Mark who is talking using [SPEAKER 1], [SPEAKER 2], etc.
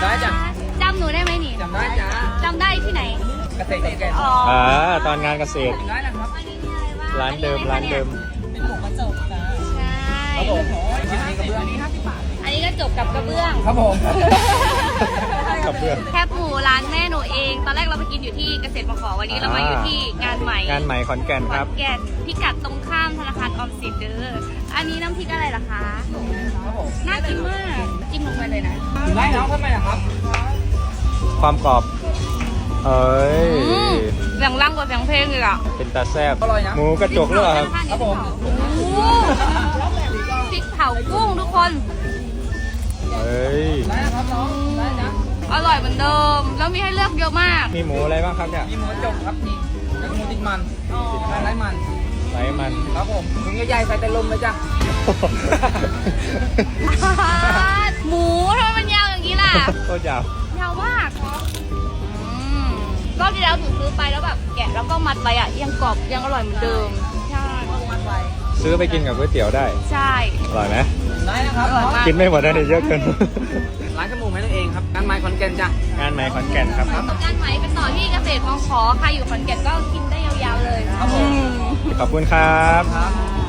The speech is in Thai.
[SPEAKER 1] ได้จ้ะ
[SPEAKER 2] จำหนูได้ไหมนี่
[SPEAKER 1] จำได้จ้ะ
[SPEAKER 2] จำได้ที่ไหน
[SPEAKER 1] เกษตรแก่
[SPEAKER 2] อ๋อ
[SPEAKER 3] ตอนงานเกษตร
[SPEAKER 1] ได้นะครับ
[SPEAKER 2] อันนี้มีอะไรบ้าง
[SPEAKER 3] ร้านเดิม ร้านเดิม
[SPEAKER 1] เป็นหมูกระจกจ้ะ
[SPEAKER 2] ใช่
[SPEAKER 1] ครับผมชิ้นนี้กระเบื้องนี้50 บาท
[SPEAKER 2] อันนี้ก็จบกับกระเบื้อง
[SPEAKER 1] ครับผม
[SPEAKER 3] กับเพื่อน
[SPEAKER 2] แคบหมูร้านแม่หนูเอง ตอนแรกเราไปกินอยู่ที่เกษตรมขวันนี้เรามาอยู่ที่งานใหม่
[SPEAKER 3] งานใหม่ขอนแก่น
[SPEAKER 2] ข
[SPEAKER 3] ค
[SPEAKER 2] อ
[SPEAKER 3] รับ
[SPEAKER 2] นแก่นพิกัดตรงข้ามธนาคารออมสินเด้อ อันนี้น้ำพริกอะไรล่ะคะ
[SPEAKER 1] ครับผม
[SPEAKER 2] น่ากินมาก จิ้มลงไปเลยนะ
[SPEAKER 1] ถึงได้แล้วทำไมอะครับ
[SPEAKER 3] ความกรอบ เอ้ย
[SPEAKER 2] เสียงร่างกว่าเสียงเพลงเลยอ่ะ
[SPEAKER 3] เป็นตาแซบ
[SPEAKER 1] อร่อยนะ
[SPEAKER 3] หมูกระจกหรือเปล่าครับ
[SPEAKER 1] ครับผม
[SPEAKER 2] โอ้โหพริกเผากุ้งทุกคน
[SPEAKER 3] เอ้ย
[SPEAKER 1] ได้นะครับน้องได้นะ
[SPEAKER 2] อร่อยเหมือนเดิม แล้วมีให้เลือกเยอะมาก
[SPEAKER 3] มีหมูอะไรบ้างครับเนี่ย
[SPEAKER 1] มีหมูกระจกครับนี่แล้วก็หมูติดมันติดมันไร้มัน
[SPEAKER 3] ไหนมัน
[SPEAKER 1] ครับผมถุงใหญ่ๆใส่แต่ลมเลยจ้ะ
[SPEAKER 2] หมูทำไมมันยาวอย่างนี้ล่ะ
[SPEAKER 3] โคตรยาว
[SPEAKER 2] ยาวมากรอบที่แล้วหนูซื้อไปแล้วแบบแกะแล้วก็มัดไว้อ่ะยังกรอบยังอร่อยเหมือนเดิม ใช่
[SPEAKER 3] ซื้อไปกินกับก๋วยเตี๋ยวได้
[SPEAKER 2] ใช่
[SPEAKER 3] อร่อยไหม
[SPEAKER 1] ได้นะครับ
[SPEAKER 2] อร่อยมาก
[SPEAKER 3] กินไม่หมดนะเนี่ยเยอะเกิน
[SPEAKER 1] ร้านจมูกแม่นั่นเองครับงานไม้ขอนแก่นจ้ะ
[SPEAKER 3] งานใหม่ขอนแก่นครับ
[SPEAKER 2] งานไหมเป็นต่อที่เกษตรมขใครอยู่ขอนแก่นก็กินได้ยาวๆเลย
[SPEAKER 1] ครับผม
[SPEAKER 3] ขอบคุณครับ
[SPEAKER 1] ครับ